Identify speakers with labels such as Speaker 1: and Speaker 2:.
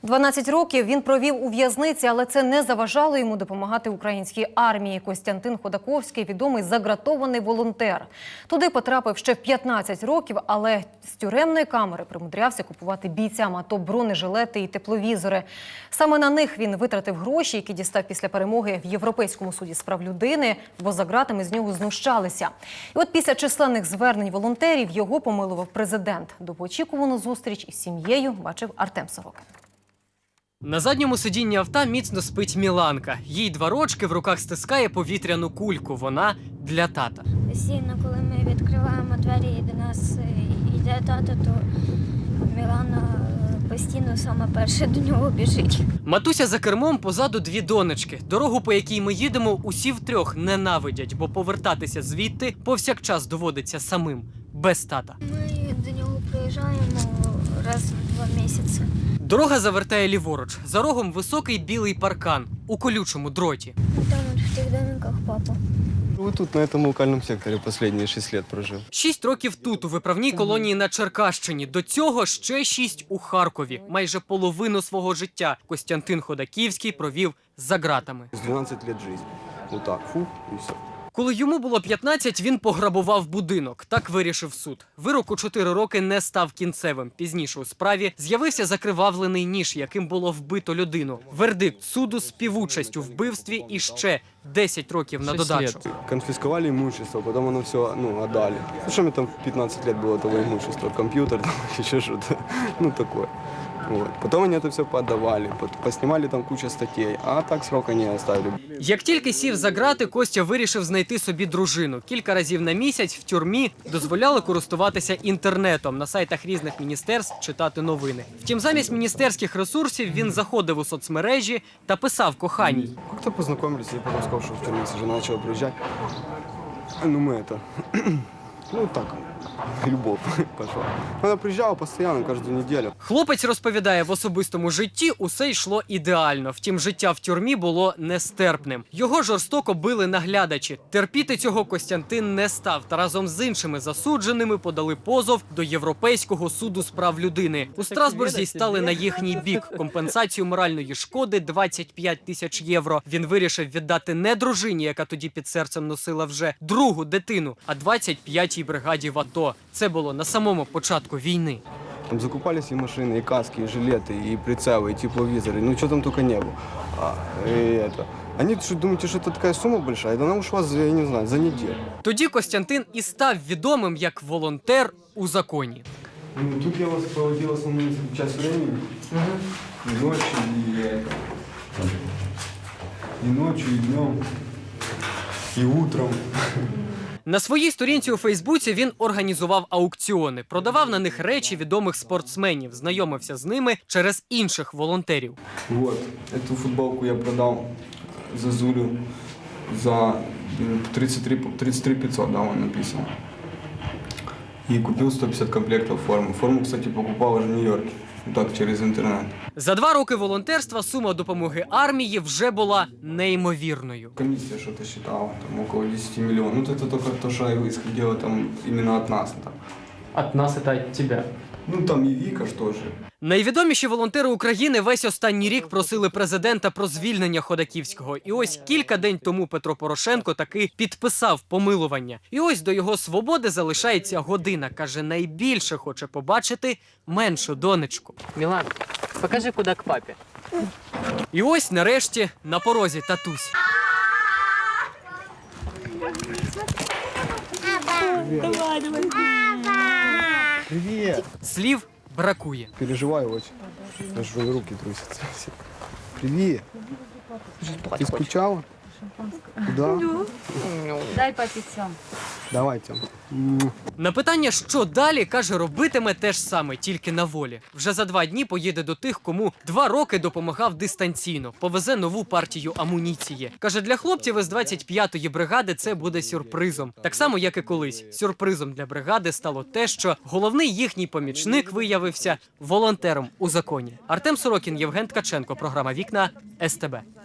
Speaker 1: 12 років він провів у в'язниці, але це не заважало йому допомагати українській армії. Костянтин Ходаковський – відомий загратований волонтер. Туди потрапив ще в 15 років, але з тюремної камери примудрявся купувати бійцям АТО бронежилети і тепловізори. Саме на них він витратив гроші, які дістав після перемоги в Європейському суді з прав людини, бо за ґратами з нього знущалися. І от після численних звернень волонтерів його помилував президент. Довгоочікувану зустріч із сім'єю бачив Артем Сорокін.
Speaker 2: На задньому сидінні авто міцно спить Міланка. Їй 2 рочки, в руках стискає повітряну кульку. Вона для тата.
Speaker 3: Постійно, коли ми відкриваємо двері і до нас йде тато, то Мілана постійно саме перше до нього біжить.
Speaker 2: Матуся за кермом, позаду 2 донечки. Дорогу, по якій ми їдемо, усі втрьох ненавидять, бо повертатися звідти повсякчас доводиться самим, без тата.
Speaker 3: Ми до нього приїжджаємо раз в 2 місяці.
Speaker 2: Дорога завертає ліворуч. За рогом високий білий паркан у колючому дроті.
Speaker 3: Там от в тих домиках папа.
Speaker 4: Ви тут, на этом локальному секторі, останні 6 років прожив.
Speaker 2: 6 років тут, у виправній колонії на Черкащині. До цього ще 6 у Харкові. Майже половину свого життя Костянтин Ходаківський провів за ґратами.
Speaker 4: 12 років життя. Отак, фух, і все.
Speaker 2: Коли йому було 15, він пограбував будинок. Так вирішив суд. Вирок у 4 роки не став кінцевим. Пізніше у справі з'явився закривавлений ніж, яким було вбито людину. Вердикт суду – співучасть у вбивстві і ще 10 років на додачу.
Speaker 4: Конфисковали имущество, потом оно все, отдали. Ну, что мне там в 15 лет было того имущества? Компьютер, там, еще что-то, такое. Вот. Потом они это все поотдавали, поснимали там кучу статей, а так срока не оставили.
Speaker 2: Як тільки сів за ґрати, Костя вирішив знайти собі дружину. Кілька разів на місяць в тюрмі дозволяли користуватися інтернетом, на сайтах різних міністерств читати новини. Втім, замість міністерських ресурсів він заходив у соцмережі та писав коханій.
Speaker 4: Как-то познакомились, я потом сказал, что в тюрьме жена начала приезжать. Ну, мы это... Ну, так, любовь пошла. Она приезжала постоянно, каждую неделю.
Speaker 2: Хлопець розповідає, в особистому житті усе йшло ідеально. Втім, життя в тюрмі було нестерпним. Його жорстоко били наглядачі. Терпіти цього Костянтин не став. Та разом з іншими засудженими подали позов до Європейського суду з прав людини. У Страсбурзі стали на їхній бік. Компенсацію моральної шкоди – 25 тисяч євро. Він вирішив віддати не дружині, яка тоді під серцем носила вже другу дитину, а 25-й бригаді в АТО. Це було на самому початку війни.
Speaker 4: Там закупались и машины, и каски, и жилеты, и прицелы, и тепловизоры. Ну, что там только не было. Они что, думаете, что это такая сумма большая? Да она ушла, я не знаю, за неделю.
Speaker 2: Тоді Костянтин і став відомим як волонтер у законі.
Speaker 4: Ну, тут я вас проводил основную часть времени. И ночью, и ночью, и днем, и утром.
Speaker 2: На своїй сторінці у Фейсбуці він організував аукціони, продавав на них речі відомих спортсменів, знайомився з ними через інших волонтерів.
Speaker 4: Вот, эту футболку я продал за Зулю за 33 500, да, вон написано. И купил 150 комплектов формы. Форму, кстати, покупал уже в Нью-Йорке, так, через интернет.
Speaker 2: За 2 роки волонтерства сума допомоги армії вже була неймовірною.
Speaker 4: Комиссия что-то считала, там около 10 миллионов. Ну, это только то, что исходило там именно от нас. Там.
Speaker 2: От нас – це від тебе.
Speaker 4: Ну, там и Вика что же.
Speaker 2: Найвідоміші волонтери України весь останній рік просили президента про звільнення Ходаківського. І ось кілька день тому Петро Порошенко таки підписав помилування. І ось до його свободи залишається година. Каже, найбільше хоче побачити меншу донечку.
Speaker 5: Мілан, покажи, куди к папі.
Speaker 2: І ось нарешті на порозі татусь.
Speaker 4: Привет!
Speaker 2: Слів бракує.
Speaker 4: Переживаю очень. Даже руки трусятся. Привет! Ты скучала? Да?
Speaker 6: Дай папі цьому.
Speaker 4: Давай, Тём.
Speaker 2: На питання, що далі, каже, робитиме те ж саме, тільки на волі. Вже за 2 дні поїде до тих, кому 2 роки допомагав дистанційно. Повезе нову партію амуніції. Каже, для хлопців із 25-ї бригади це буде сюрпризом. Так само, як і колись. Сюрпризом для бригади стало те, що головний їхній помічник виявився волонтером у законі. Артем Сорокін, Євген Ткаченко. Програма «Вікна» СТБ.